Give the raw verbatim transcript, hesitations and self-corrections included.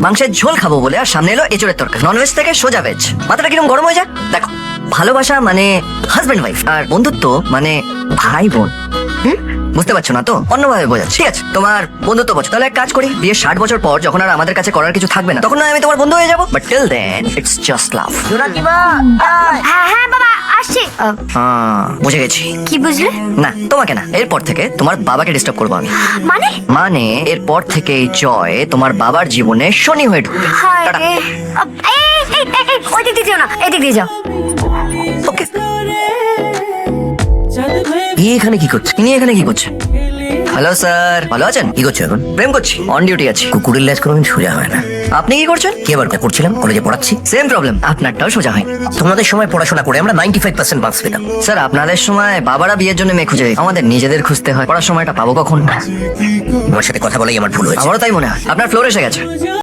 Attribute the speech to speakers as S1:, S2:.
S1: মাংসের ঝোল খাবো বলে আর সামনে এলো এঁচড়ের তরকারি। ননভেজ থেকে সোজা ভেজ, মাথাটা কিরকম গরম হয়ে যায়। দেখো, ভালোবাসা মানে হাজবেন্ড ওয়াইফ, আর বন্ধুত্ব মানে ভাই বোন। হুম, বুঝতে পারছো না তো? অন্যভাবে বোঝাচ্ছি। ঠিক আছে, তোমার বন্ধুত্ব বছর, তাহলে এক কাজ করি, বিয়ের ষাট বছর পর যখন আর আমাদের কাছে করার কিছু থাকবে না, তখন না আমি তোমার বন্ধু হয়ে যাবো। But till then it's just love.
S2: হ্যাঁ হ্যাঁ বাবা আসছি। আহ,
S1: হ্যাঁ, বুঝে গেছি।
S2: কি বুঝলে?
S1: না, তোমাকে না, এরপর থেকে তোমার বাবাকে ডিস্টার্ব করবো আমি।
S2: মানে
S1: মানে এরপর থেকে এই জয় তোমার বাবার জীবনে শনি হয়ে ঢুকবে।
S2: হায়
S1: টাটা।
S2: রে। আহ, এই, এই, এই, এই, ওই দিক দিয়ে যেও না, এদিক দিয়ে যাও।
S1: ওকে। ই এখানে কি করছে? ইনি এখানে কি করছে? হ্যালো স্যার, ভালো আছেন? কি করছো এখন? প্রেম করছি, অন ডিউটি আছি।
S3: কুকুরের লেজ কোনোদিন সোজা হয় না।
S1: আপনি কি করছেন?
S3: কি আবার করছিলাম, কলেজে পড়াচ্ছি।
S1: সেম প্রবলেম, আপনারটাও সোজা হয়।
S3: তোমাদের সময় পড়াশোনা করে আমরা নাইনটি ফাইভ পার্সেন্ট মার্কস পেতাম।
S1: স্যার, আপনাদের সময় বাবারা বিয়ের জন্য মেয়ে খুঁজে দিত। আমাদের নিজেদের খুঁজতে হয়। পড়ার সময়টা পাবো কখন?
S3: তোমার সাথে কথা বলাই আমার ভুল হয়েছে।
S1: আমারও তাই মনে হয়। আপনার ফ্লোর এসে গেছে।